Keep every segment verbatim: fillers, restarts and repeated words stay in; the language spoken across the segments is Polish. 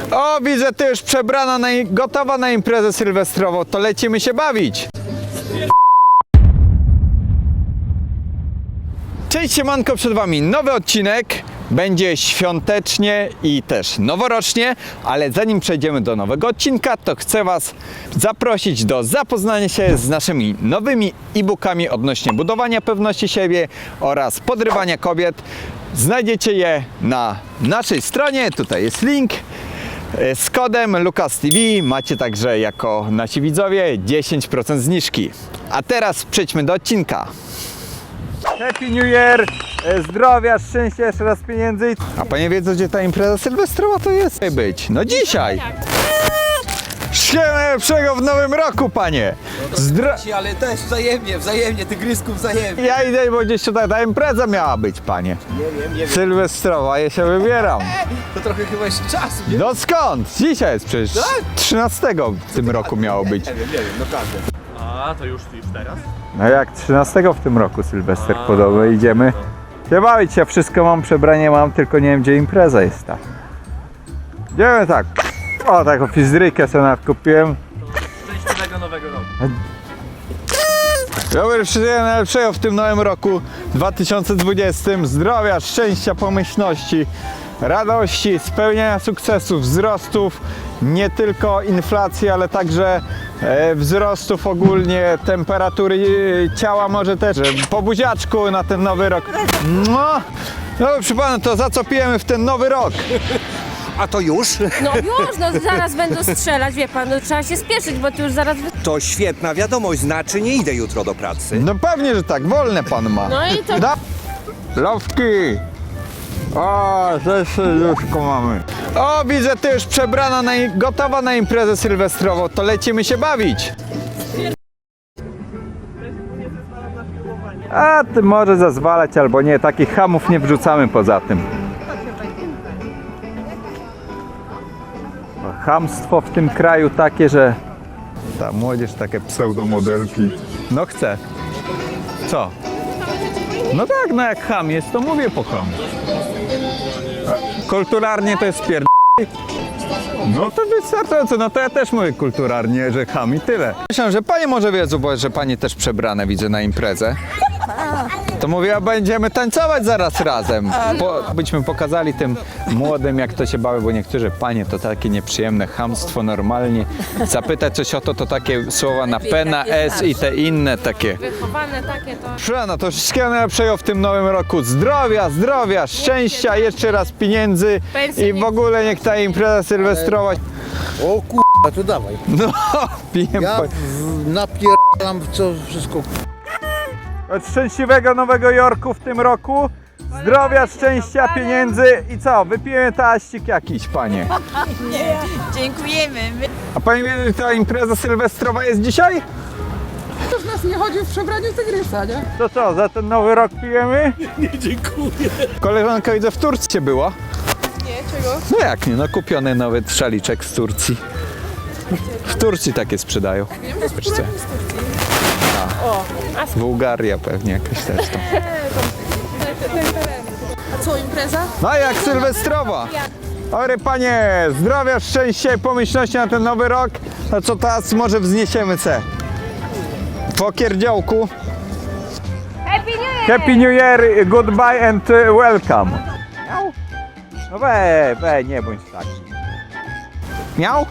O, widzę, ty już przebrana, na, gotowa na imprezę sylwestrową, to lecimy się bawić. Cześć, siemanko, przed wami nowy odcinek. Będzie świątecznie i też noworocznie, ale zanim przejdziemy do nowego odcinka, to chcę was zaprosić do zapoznania się z naszymi nowymi e-bookami odnośnie budowania pewności siebie oraz podrywania kobiet. Znajdziecie je na naszej stronie, tutaj jest link. Z kodem LukasTV macie także jako nasi widzowie dziesięć procent zniżki. A teraz przejdźmy do odcinka. Happy New Year! Zdrowia, szczęścia, jeszcze raz pieniędzy. A panie wiedzą, gdzie ta impreza sylwestrowa to jest być? No dzisiaj! Wszystkiego najlepszego w nowym roku, panie! Zdro... Ale też wzajemnie, wzajemnie, tygrysku wzajemnie. Ja idę, bo gdzieś tutaj ta impreza miała być, panie. Nie wiem, nie wiem. Sylwestrowa, ja się wybieram. To trochę chyba jeszcze czasu, nie? No skąd? Dzisiaj jest przecież Tak? trzynastego w tym roku miało być. Nie wiem, nie wiem, naprawdę. A, to już, już teraz? No jak trzynastego w tym roku Sylwester podobny, idziemy się bawić. Ja wszystko mam, przebranie mam, tylko nie wiem, gdzie impreza jest ta. Idziemy tak. O, taką fizrykę sobie nawet kupiłem. Szczęśliwego nowego roku. Dobry, wszystkiego najlepszego w tym nowym roku dwa tysiące dwudziestym. Zdrowia, szczęścia, pomyślności, radości, spełniania sukcesów, wzrostów, nie tylko inflacji, ale także e, wzrostów ogólnie, temperatury e, ciała może też. E, po buziaczku na ten nowy rok. No, no proszę pana, to za co pijemy w ten nowy rok? A to już? No już, no zaraz będą strzelać, wie pan, no trzeba się spieszyć, bo tu już zaraz... wy- To świetna wiadomość, znaczy nie idę jutro do pracy. No pewnie, że tak, wolne pan ma. No i to... Da... Lowki! O, też serduszko mamy. O, widzę, ty już przebrana, na, gotowa na imprezę sylwestrową, to lecimy się bawić. A ty może zazwalać albo nie, takich hamów nie wrzucamy poza tym. Chamstwo w tym kraju takie, że ta młodzież takie pseudomodelki. No chce. Co? No tak, no jak ham jest, to mówię po ham. Kulturalnie to jest pierd... No to wystarczająco, no to ja też mówię kulturalnie, że ham i tyle. Myślę, że panie może wiedzą, bo że panie też przebrane widzę na imprezę. To mówię, a będziemy tańcować zaraz razem. Po, byśmy pokazali tym młodym, jak to się bawi, bo niektórzy panie to takie nieprzyjemne chamstwo normalnie. Zapytać coś o to, to takie słowa na P, na S i te inne takie. Wychowane takie to... Szana, to wszystkiego najlepszego w tym nowym roku. Zdrowia, zdrowia, szczęścia, jeszcze raz pieniędzy i w ogóle niech ta impreza sylwestrowa... O kurwa, to dawaj. No, pijem Ja po... w- napierdalam w co wszystko. Od szczęśliwego Nowego Jorku w tym roku. Zdrowia, szczęścia, pieniędzy i co? Wypijemy taścik jakiś, panie. Dziękujemy. A pani wie, że ta impreza sylwestrowa jest dzisiaj? Ktoś nas nie chodził w przebraniu tygrysa, nie? To co, za ten nowy rok pijemy? Nie, dziękuję. Koleżanka widzę w Turcji była. Nie, czego? No jak nie, no kupiony nowy szaliczek z Turcji. W Turcji takie sprzedają. Wiecie. A, Bułgaria pewnie jakaś też tam. A co, impreza? No jak sylwestrowa. Dobry panie, zdrowia, szczęścia i pomyślności na ten nowy rok. No co teraz może wzniesiemy se? Po kierdziołku. Happy New Year! Happy New Year, goodbye and uh, welcome. Miał? No we, we, nie bądź taki. Miał?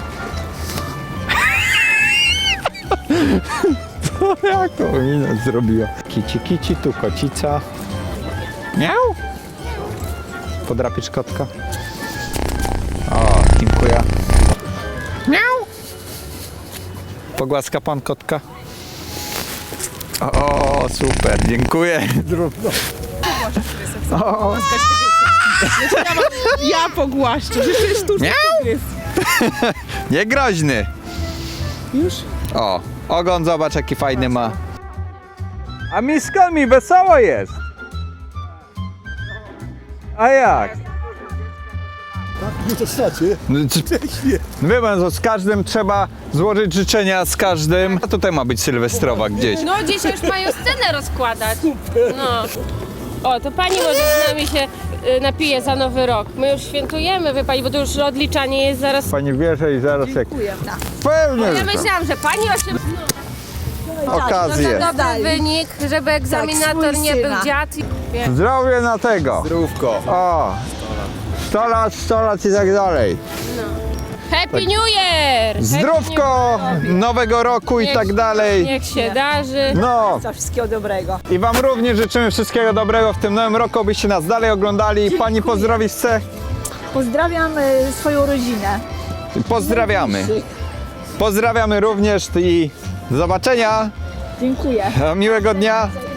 To jaką minę zrobiła? Kici, kici, tu kocica. Miał? Podrapiesz kotka? O, dziękuję. Miał? Pogłaska pan kotka? O, o super, dziękuję. O, Ja pogłaszczę, że to jest sztuczny tygrys. nie groźny. Już? O, ogon zobacz jaki fajny ma. A mi skąd mi wesoło jest? A jak? Nie to znaczy. No, wie pan, co, z każdym trzeba złożyć życzenia, z każdym. A tutaj ma być sylwestrowa gdzieś. No dzisiaj już mają scenę rozkładać. No. O, to pani może z nami się y, napije za nowy rok. My już świętujemy, wie pani, bo to już odliczanie jest zaraz. Pani bierze i zaraz jak... Pewnie, Ja że tak. myślałam, że pani osiem... Okazję. To dobry wynik, żeby egzaminator swój nie był syna. dziad. i- Zdrowie na tego. Zdrówko. O, sto lat, sto lat i tak dalej. Happy New Year! Zdrówko, nowego roku i Niech- tak dalej. Niech się darzy. No Za wszystkiego dobrego. i wam również życzymy wszystkiego dobrego w tym nowym roku, byście nas dalej oglądali. Pani pozdrowić chce? Pozdrawiam y, swoją rodzinę. Pozdrawiamy. Pozdrawiamy również i do zobaczenia. Dziękuję. Miłego dnia.